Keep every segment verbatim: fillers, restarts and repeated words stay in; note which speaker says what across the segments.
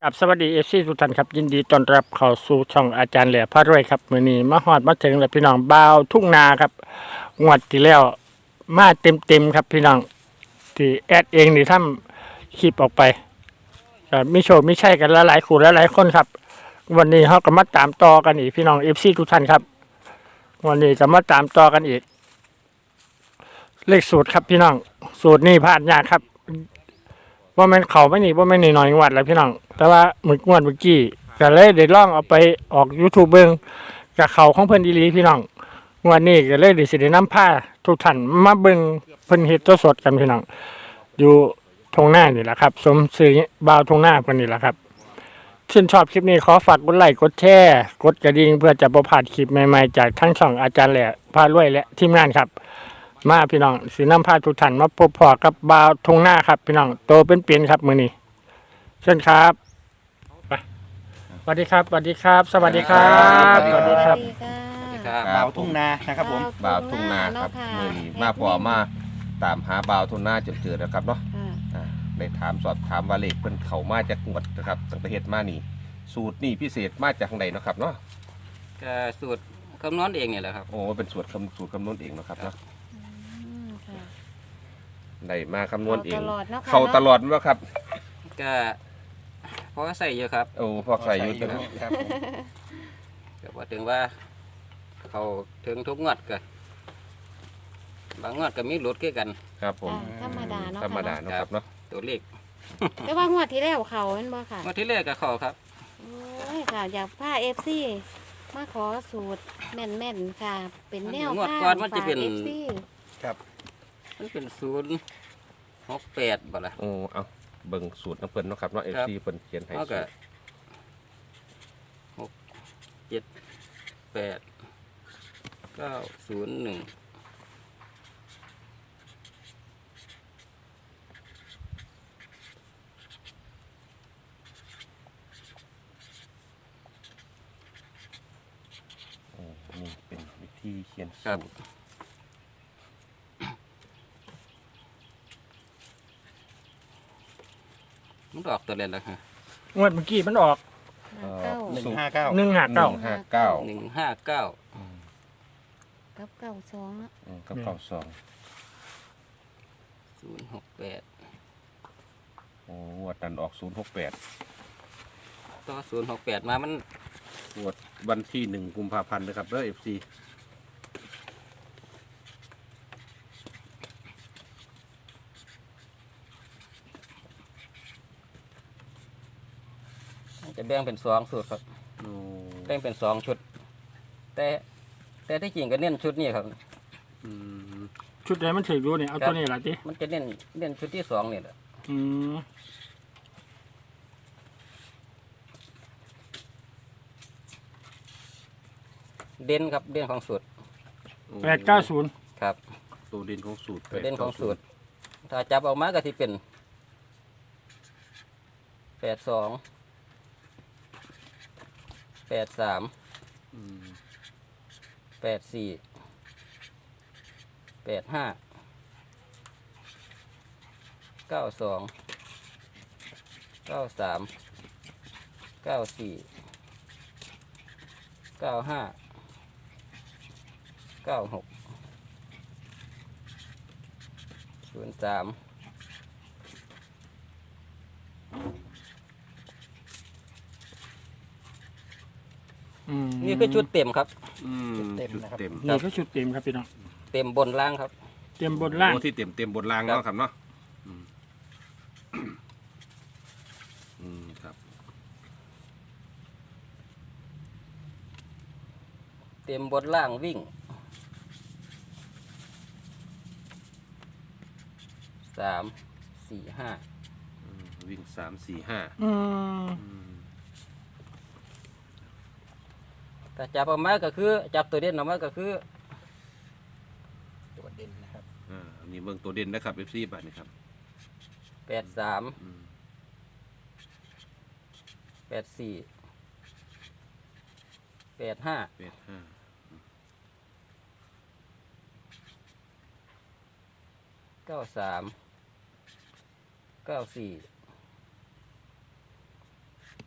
Speaker 1: ครับสวัสดีเอฟซีทุกท่านครับยินดีต้อนรับเข้าสู่ช่องอาจารย์แหล่พระรวยครับมื้อนี้มาฮอดมาถึงแล้วพี่น้องบ่าวทุ่งนาครับงวดที่แล้วมาเต็มๆครับพี่น้องที่แอดเองนี่ทำคลิปออกไปก็มีโชคมีชัยกันหลายๆคู่หลายๆคนครับวันนี้เฮาก็มาตามต่อกันอีกพี่น้องเอฟซีทุกท่านครับวันนี้จะมาตามต่อกันอีกเลขสูตรครับพี่น้องสูตรนี้พลาดยากครับว่ามันเขาไม่หนีว่าไม่หนีหน่อยงวดแล้วพี่น้องแต่ว่าหมึกงวดเมื่อกี้ก็เลยได้ล่องเอาไปออก YouTube เบิ้งกับเขาของเพิ่นอีหลีพี่น้องงวดนี้ก็เลยได้สิได้นำผ้าทุกท่านมาเบิ้งเพิ่นเฮ็ดตัวสดกันพี่น้องอยู่ทงหน้านี่แหละครับสมซื่อบ่าวทงหน้าเพิ่นนี่แหละครับชื่นชอบคลิปนี้ขอฝากกดไลค์กดแชร์กดกระดิ่งเพื่อจะบ่พลาดคลิปใหม่ๆจากทั้งช่องอาจารย์แหล่พารวยและทีมงานครับมาพี่น้องสีน้ำผ้าทุกท่านมาพบพอกับบ่าวทงหน้าครับพี่น้องโตเป็นเปลี่ยนครับมือนี้เชิญครับไปสวัสดีครับสวัสดีครับ สวัสดีครับสวัสดีครับ
Speaker 2: ครับ
Speaker 3: บ่าวทุ่งนานะครับผม
Speaker 2: บ่าวทุ่งนาครับมือนี้มาพอมาตามหาบ่าวทุ่งนาจนเจอแล้วครับเนาะอ่าได้ถามสอบถามว่าเลขเพิ่นเข้ามาจากงวดนะครับตั้งแต่เฮ็ดมานี่สูตรนี่พิเศษมาจากทางใดเนาะครับเนาะ
Speaker 4: ก็สูตรคำนวณเองเนี่ยแหละครับ
Speaker 2: โอ้เป็นสูตรคำสูตรคำนวณเองเนาะครับเนาะ
Speaker 5: อืมค่ะ
Speaker 2: ได้มาคำนวณเอง
Speaker 5: เข้าตลอดเนาะค่ะ
Speaker 2: เข้าตลอดว่าครับ
Speaker 4: ก็พอใส่เยอะครับ
Speaker 2: โอ้พอใส่อยู่นะ
Speaker 3: ครับผม
Speaker 4: ก็บอกถึงว่าเขาถึงทุกงวดก็บางงวดก็มีหลุดคือกัน
Speaker 2: ครับผม
Speaker 5: ธรรมดาเนาะ
Speaker 2: ธรรมดาเนาะครับเนาะ
Speaker 4: ตัวเลข
Speaker 5: แต่ว่างวดที่แล้วเขาเป็นบ่ค่ะ
Speaker 4: งวดที่แรกก็เขาครับ
Speaker 5: โอ้ยค่ะ อยากผ้าเอฟซีมาขอสูตรแม่นๆค่ะ เป็นแนว
Speaker 4: งวด
Speaker 5: ผ้า
Speaker 4: ก่อนมันจะเป็น
Speaker 5: เอฟซี
Speaker 3: ครับ
Speaker 4: มันเป็นศูนย์หกแปดบ่ละ
Speaker 2: โอ้เอาเบิ่งสูตรน้ำเพิ่นเนาะครับเนาะ
Speaker 4: ครั
Speaker 2: เอบ ฟซีเพิ่นเขียนให้
Speaker 4: เขา
Speaker 2: สู
Speaker 4: ก็
Speaker 2: ตร
Speaker 4: หกเจ็ดแปดเก้าศูนย์หนึ่ง
Speaker 2: โอ้นี่เป็นวิธีเขียน
Speaker 4: ครั
Speaker 2: สู
Speaker 4: บ
Speaker 2: ตร
Speaker 4: มันออกตัวเล่นแล้วฮะ
Speaker 1: งวดเมื่อกี้มันออก
Speaker 5: เก้า
Speaker 3: หนึ่งห้าเก้า
Speaker 1: หนึ่งห้า
Speaker 2: ห
Speaker 1: เก้า
Speaker 2: นึ่งห้าเก้า
Speaker 4: หนึ่งห้าเก้า
Speaker 5: กับเก้าสองเนาะ
Speaker 2: อืมกับเก้าสอง
Speaker 4: ศูนย์หกแปด
Speaker 2: โอ้งวดนั้นออกศูนย์หกแปด
Speaker 4: ต่อศูนย์หกแปดมามัน
Speaker 2: งวดวันที่หนึ่งกุมภาพันธ์นะครับเด้อเอฟซี
Speaker 4: จะแบ่งเป็นสองสูตรครับ
Speaker 2: โอ้
Speaker 4: แบ่งเป็นสองชุด แต่แต่ที่จริงก็เน้นชุดนี้ครับ
Speaker 2: อืม
Speaker 1: ชุดไหนมันถือรู้เนี่ยเอาตัวนี้ละที
Speaker 4: มันจะเน้นเน้นชุดที่สองนี่แหละ
Speaker 1: อืม
Speaker 4: เด่นครับเด่นของสูตร
Speaker 1: แปดเก้าศูนย์
Speaker 4: ครับ
Speaker 2: ตัวเด่นของสูตร
Speaker 4: ตัวเด่นของสูตร ถ้าจับออกมาก็ที่เป็นแปดสองแปดสาม
Speaker 2: อืม
Speaker 4: แปดสี่แปดห้าเก้าสองเก้าสามเก้าสี่เก้าห้าเก้าหกศูนย์สาม
Speaker 1: อืม
Speaker 4: นี่คือชุดเต็มครับ
Speaker 2: อืมชุดเต็ม
Speaker 1: นี่คือชุดเต็มครับพี่น้อง
Speaker 4: เต็มบนล่างครับ
Speaker 1: เต็มบนล่าง
Speaker 2: โอ้ที่เต็มเต็มบนราง
Speaker 4: ครับ
Speaker 2: เนาะครับเนาะอืมอืมครับ
Speaker 4: เต็มบนล่างวิ่งสามสี่ห้า
Speaker 2: อืมวิ่งสามสี่ห้า
Speaker 1: อืม
Speaker 2: อืม
Speaker 4: ถ้าจับออกมาก็คือจับตัวเด่นออกมาก็คือ
Speaker 3: ตัวเด่นนะครับ
Speaker 2: อ่านี่เบิ่งตัวเด่นนะครับเอฟซีบัตรนี่ครับ
Speaker 4: แปดสาม
Speaker 2: อืม
Speaker 4: แปดสี่แปดห้า
Speaker 2: แปดห้า
Speaker 4: เก้าสามเก้าสี่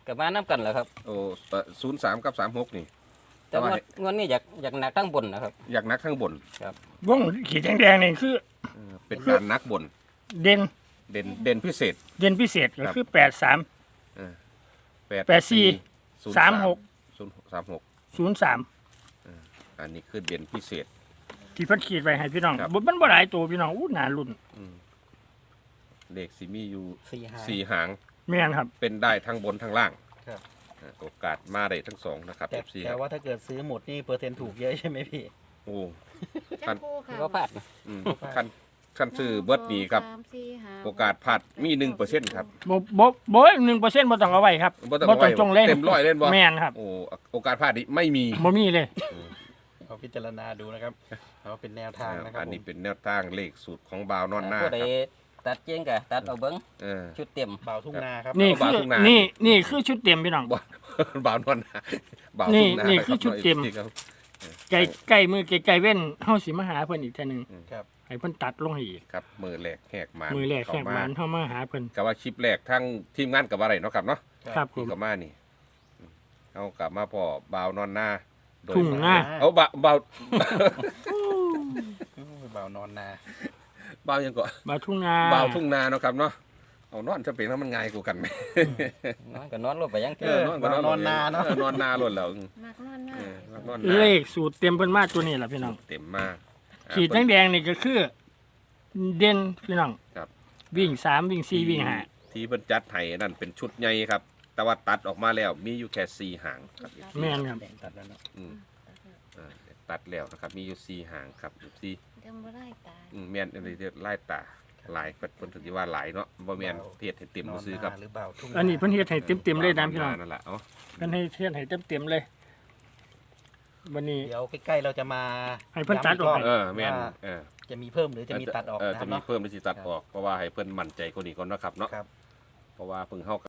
Speaker 4: กับมาน้ำกันแหละครับ
Speaker 2: โอ้ศูนย์สามกับสามหกนี่
Speaker 4: แต่ว่างวดนี้อยากอยากหนักทั้งบนนะครับ
Speaker 2: อยากนักข้างบน
Speaker 1: วงขีดแดงๆนี่คือ
Speaker 2: เออเป็นการนักบน
Speaker 1: เด่น
Speaker 2: เด่นเด่นพิเศษ
Speaker 1: เด่นพิเศษก็คือแปดสาม แปดสี่
Speaker 2: ศูนย์
Speaker 1: สามหก
Speaker 2: ศูนย์สามหก
Speaker 1: ศูนย์สาม
Speaker 2: อันนี้คือเด่นพิเศษ
Speaker 1: ที่เพิ่นขีดไว้ให้พี่น้อง
Speaker 2: ครับ
Speaker 1: บ่มันบ่หลายตัวพี่น้องอู้หนารุ่น
Speaker 2: เลขสีมีอยู่
Speaker 3: สี่หาง
Speaker 2: สี่หาง
Speaker 1: แม่นครับ
Speaker 2: เป็นได้ทั้งบนทั้งล่าง
Speaker 3: ครับ
Speaker 2: อ่าโอกาสมาได้ทั้งสองนะครับ
Speaker 3: แต่
Speaker 2: เอฟซี
Speaker 3: แต่ว่าถ้าเกิดซื้อหมดนี่เปอร์เซ็นต์ถูกเยอะใช่ไหมพี่
Speaker 2: โอ้
Speaker 5: จักคู่ค่ะ
Speaker 4: ก็พลาดนะ
Speaker 2: อืมคันคันซื้อเบิดนี้ครับ
Speaker 5: สามสี่ห้
Speaker 2: โอกาสพลาดมีหนึ่งเปอร์เซ็นต์ครับ
Speaker 1: บ่บ่บ่หนึ่งเปอร์เซ็นต์บ่ต้องเอาไว้ครับ
Speaker 2: บ่ต้องเอาไว้
Speaker 1: จงเลย
Speaker 2: เต็มร้อยเล่นบ่
Speaker 1: แม่นครับ
Speaker 2: โอ้โอกาสพลาดนี้ไม่มี
Speaker 1: บ่มีเลย
Speaker 3: เอาพิจารณาดูนะครับเอาเป็นแนวทางนะครับ
Speaker 2: อันนี้
Speaker 3: ผม
Speaker 2: เป็นแนวทางเลขสูตรของบาวนอนหน้า
Speaker 4: ผู้ใด
Speaker 2: ครับ
Speaker 4: ตัดเจียงกะตัดเอาเบิ้ง
Speaker 2: เออ
Speaker 4: ชุดเต็ม
Speaker 3: บ่าวทุ่งนาครับ
Speaker 1: นี่
Speaker 2: เอา
Speaker 1: คื
Speaker 2: บ่าว
Speaker 1: อ
Speaker 2: ทุ่งนา
Speaker 1: นี่นี่คือชุดเต็มพี่น้อง
Speaker 2: บ่ บ่าวนอนหน้าบ่าว
Speaker 1: นี่
Speaker 2: ทุ่งนา
Speaker 1: นี่
Speaker 2: รับ
Speaker 1: คือชุดเต็ม
Speaker 2: ครับ
Speaker 1: ใกล้ใกล้มือใกล้ๆเว้นเฮาสิมาหาเพิ่นอีกเทื่อหนึง
Speaker 3: ครับ
Speaker 1: ให้เพิ่นตัดลงให้อีก
Speaker 2: ครับมือแรกแหกหมาน
Speaker 1: มือแรกแขก
Speaker 2: เข้
Speaker 1: หมานเฮามาหาเพิ่น
Speaker 2: กับว่าคลิปแรกทั้งทีมงานกับอะไรเนาะครับเนาะ
Speaker 1: ครับผ
Speaker 2: ที่
Speaker 1: ม
Speaker 2: กับมานี่เอากลับมาพอบ่าวนอนหน้าโดย
Speaker 1: ทุ่งนา
Speaker 2: เอาบ่าวบ่าว
Speaker 3: โอ้ยบ่าวนอนนา
Speaker 2: บ่าวยังก็
Speaker 1: บ่าวทุ่งนา
Speaker 2: บ่าวทุ่งนาเนาะครับเนาะเอานอนจะเป็นแล้วมันง่ายกว่ากันไหม
Speaker 4: นอนก็นอนลงไปยัง
Speaker 2: เออนอนก็
Speaker 3: นอนนาเนาะ
Speaker 2: ออนอนนาล้วนแล้ว
Speaker 5: มักนอนหน้า
Speaker 2: เออนอน
Speaker 1: เล
Speaker 2: นา
Speaker 1: ขสูตรเต็มเพิ่นมาตัวนี้ล่ะพี่น้อง
Speaker 2: เต็มมาก
Speaker 1: ขีดแดงๆนี่ก็คือ เด่นพี่น้อง
Speaker 2: ครับ
Speaker 1: วิ่งสามวิ่งสี่วิ่งห้า
Speaker 2: ที่เพิ่นจัดให้นั่นเป็นชุดใหญ่ครับ แต่ว่าตัดออกมาแล้วมีอยู่แค่สี่หางครับ
Speaker 1: แม่นครับ
Speaker 3: แดงตัดแล้วเนาะ
Speaker 2: อืมอ่าตัดแล้วนะครับมีอยู่สี่หางครับสี่
Speaker 5: ยังบ่ได้ตาย
Speaker 2: อืมแม่นอะไรเรียกไล่ตาหลายเพิ่นถึงสิว่าหลายเนาะบ่แม่นเฮ็ดให้เต็ม
Speaker 3: น
Speaker 2: บ่
Speaker 3: อน
Speaker 2: ซื้อ
Speaker 3: นา
Speaker 2: ครับ
Speaker 3: หรือบ่าวทุ่ง
Speaker 1: อันนี้เพิ่นเฮ็ดให้เต็มๆเลยนะพี่น้อง
Speaker 2: นั่นแหละเอ้า
Speaker 1: เพิ่นให้เฮ็ดให้เต็มๆเลยวันนี้
Speaker 3: เดี๋ยวใกล้ๆเราจะมา
Speaker 1: ให้เพิ่นตัดออกให้
Speaker 2: เออแม่น
Speaker 3: ว่า
Speaker 2: เออ
Speaker 3: จะมีเพิ่มหรือจะมีตัดออก
Speaker 2: เออ
Speaker 3: นะค
Speaker 2: จะ
Speaker 3: รับ
Speaker 2: มี
Speaker 3: เนาะ
Speaker 2: เพิ่มหรือสิตัดออกเพราะว่าให้เพิ่นมั่นใจกว่านี้ก่อนเนาะครับเนาะ
Speaker 3: ครับ
Speaker 2: เพราะว่าเพิ่งเฮา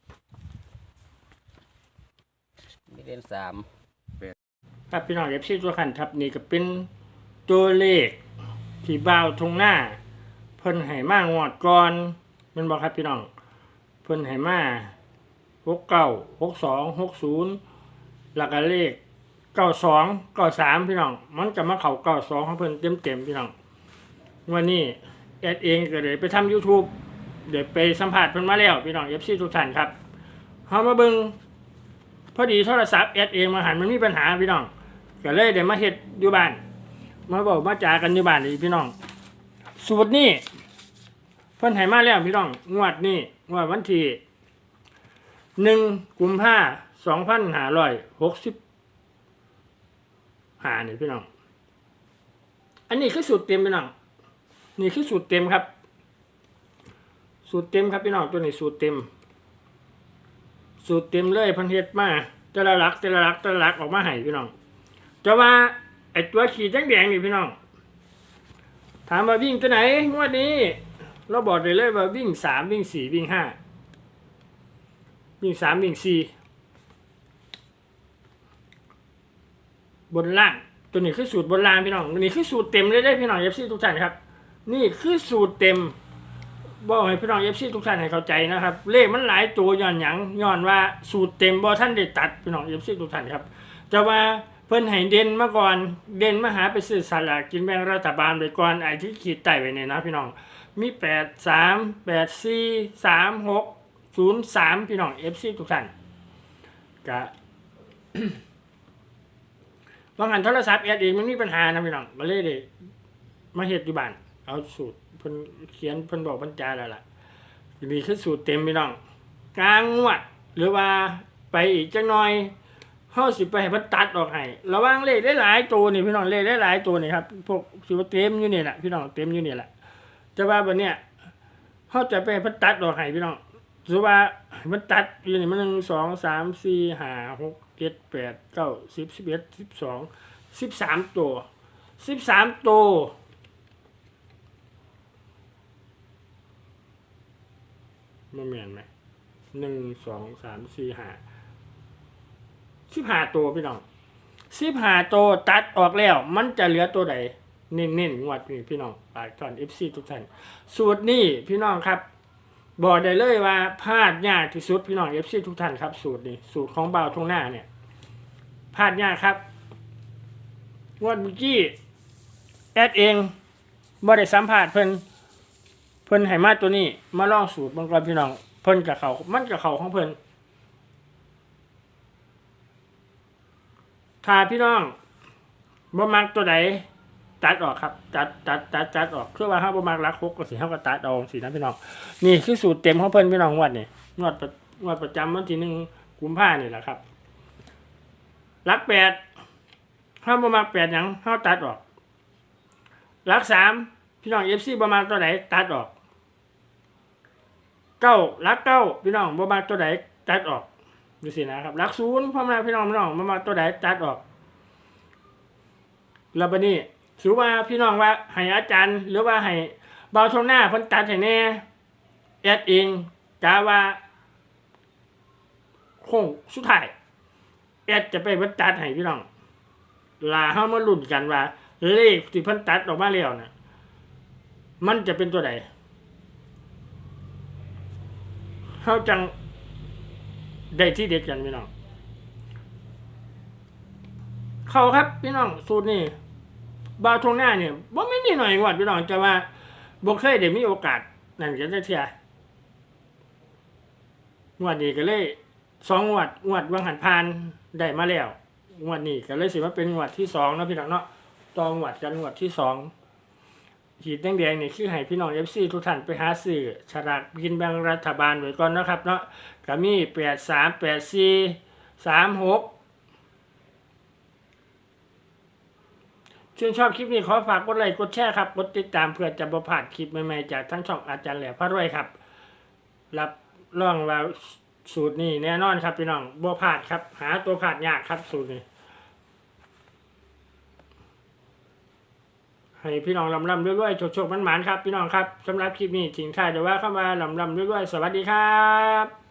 Speaker 4: มีเด่นสาม
Speaker 1: ครับพี่น้องเอฟซีตัวขันครับนี่ก็เป็นตัวเลขที่บ่าวทงหน้า เพิ่นให้มางวดก่อนแมันบอกครับพี่น้องเพิ่นให้มาหกเก้าหกสองหกศูนย์หลักเลขเก้าสองเก้าสามพี่น้องมันจะมาเข่าเก้าสองของเพิ่นเต็มเต็มๆพี่น้องวันนี้แอดเองก็เลยไปทำ YouTube เดี๋ยวไปสัมผัสเพิ่นมาแล้วพี่น้องเอฟซีทุกท่านครับเฮามาเบิ่งพอดีโทรศัพท์แอดเองมาหันมันมีปัญหาพี่น้องก็เลยเดี๋ยวมาเฮ็ดอยู่บ้านมาบอกมาจากันอยู่บ้านเลยพี่น้องสูตรนี้เพิ่นให้มาแล้วพี่น้องงวดนี้งวดวันที่หนึ่งกุมภาสองพันห้าร้อยหกสิบห้านี่พี่น้องอันนี้คือสูตรเต็มพี่น้องนี่คือสูตรเต็มครับ สูตรเต็มครับพี่น้องตัวนี้สูตรเต็ม สูตรเต็มเลยเพันเฮ็ดมาแต่ละหลักแต่ละหลักแต่ละหลักออกมาให้พี่น้องจะว่าไอ้ตัวขีดแดงๆนี่พี่น้องถามว่าวิ่งตัวไหนงวดนี้ เราบอกได้เลยว่าวิ่งสามวิ่งสี่วิ่งห้าวิ่งสามวิ่งสี่บนล่างตัวนี้คือสูตรบนล่างพี่น้องตัวนี้คือสูตรเต็มเลยได้พี่น้องเอฟซีทุกท่านครับ นี่คือสูตรเต็มบอกให้พี่น้องเอฟซีทุกท่านให้เข้าใจนะครับ เลขมันหลายตัวย้อนหยังย้อนว่าสูตรเต็มบ่ท่านได้ตัดพี่น้องเอฟซีทุกท่านครับแต่ว่าเพิ่นให้เด่นมาก่อนเด่นมาหาไปซื้อสลากกินแบ่งรัฐบาลไปก่อนไอ้ที่ขีดใต้ไว้เนี่ยนะพี่น้องมีแปดสามแปดสี่สามหกศูนย์สามพี่น้องเอฟซีทุกท่านกะ บางอันโทรศัพท์แอดเองมันมีปัญหานะพี่น้องก็เลยได้มาเฮ็ดอยู่บ้านเอาสูตรเพิ่นเขียนเพิ่นบอกบรรจาแล้วล่ะนี่คือสูตรเต็มพี่น้องกลางงวดหรือว่าไปอีกจักหน่อยเฮาสิไปให้เพิ่นตัดออกให้ระวังเลขได้หลายตัวนี่พี่น้องเลขได้หลายตัวนี่ครับพวกสิว่าเต็มอยู่นี่แหละพี่น้องเต็มอยู่นี่แหละแต่ว่าบัดเนี้ยเฮาจะไปให้เพิ่นตัดออกให้พี่น้องสมมุติว่ามันตัดอยู่นี่มันหนึ่ง สอง สาม สี่ ห้า หก เจ็ด แปด เก้า สิบ สิบเอ็ด สิบสอง สิบสามตัวสิบสามตัวมันเหมือนไหมหนึ่งสองสามสี่ห้าสิบห้าตัวพี่น้องสิบห้าตัวตัดออกแล้ว มันจะเหลือตัวใดเน้นๆงวดนี้พี่น้องปากตอนเอฟซีทุกท่านสูตรนี้พี่น้องครับบอกได้เลยว่าพลาดยากที่สุดพี่น้อง เอฟ ซี ทุกท่านครับสูตรนี้สูตรของบ่าวทุ่งนาเนี่ยพลาดยากครับงวดเมื่อกี้แอดเองบ่ได้สัมภาษณ์เพิ่นเพิ่นให้มาตัวนี้มาลองสูตรบางก่อนพี่น้องเพิ่นกับเขามันกับเขาของเพิ่นถ้าพี่น้องบ่มักตัวใดตัดออกครับตัดตัดตัดตัดออกคือว่าเฮาบ่มักรักหกก็สิเฮาก็ตัดเอาสินะพี่น้องนี่คือสูตรเต็มของเพิ่นพี่น้องงวดนี่งวดประงวดประจำวันที่หนึ่งกุมภาพันธ์นี่แหละครับรักแปดเฮาบ่มักแปดหยังเฮาตัดออกรักสามพี่น้อง เอฟ ซี บ่มักตัวใดตัดออกเก้ารักเก้าพี่น้องบ่มักตัวใดตัดออกดูสินะครับรักศูนย์พ่อแม่พี่น้องพี่น้องบ่มักตัวใดตัดออกแล้วบัดนี้ถือว่าพี่น้องว่าให้อาจารย์หรือว่าให้เบาทงหน้าเพิ่นตัดให้แน่แอดเองกะว่าคงสุดท้ายแอดจะไปเพิ่นตัดให้พี่น้องลาเฮามาลุ้นกันว่าเลขที่เพิ่นตัดออกมาแล้วน่ะมันจะเป็นตัวใดเฮาจังได้ที่เด็ดกันพี่น้องเข้าครับพี่น้องสูตรนี้บาวทงหน้าเนี่ยบ่ไม่นี่หน่อยงวดพี่น้องจะว่าบ่เคยได้มีโอกาสนั่นก็จะเทียงวดนี้ก็เลยสองงวดงวดวังหันพานได้มาแล้วงวดนี้ก็เลยสิมาเป็นงวดที่สองเนาะพี่น้องเนาะตองวดกันงวดที่สองขีดแดงๆนี่คือให้พี่น้อง เอฟ ซี ทุกท่านไปหาซื้อฉลากกินแบ่งรัฐบาลไว้ก่อนนะครับเนาะก็มีแปดสาม แปดสี่ สามหกชื่นชอบคลิปนี้ขอฝากกดไลค์กดแชร์ครับกดติดตามเพื่อจะบ่พลาดคลิปใหม่ๆจากทั้งช่องอาจารย์แหล่พระรวยครับรับรองว่าสูตรนี้แน่นอนครับพี่น้องบ่พลาดครับหาตัวพลาดยากครับสูตรนี้ให้พี่น้องลำลำด้วยๆโชคๆมันๆครับพี่น้องครับสำหรับคลิปนี้ทิ้งท้ายเดี๋ยวว่าเข้ามาลำลำด้วยๆสวัสดีครับ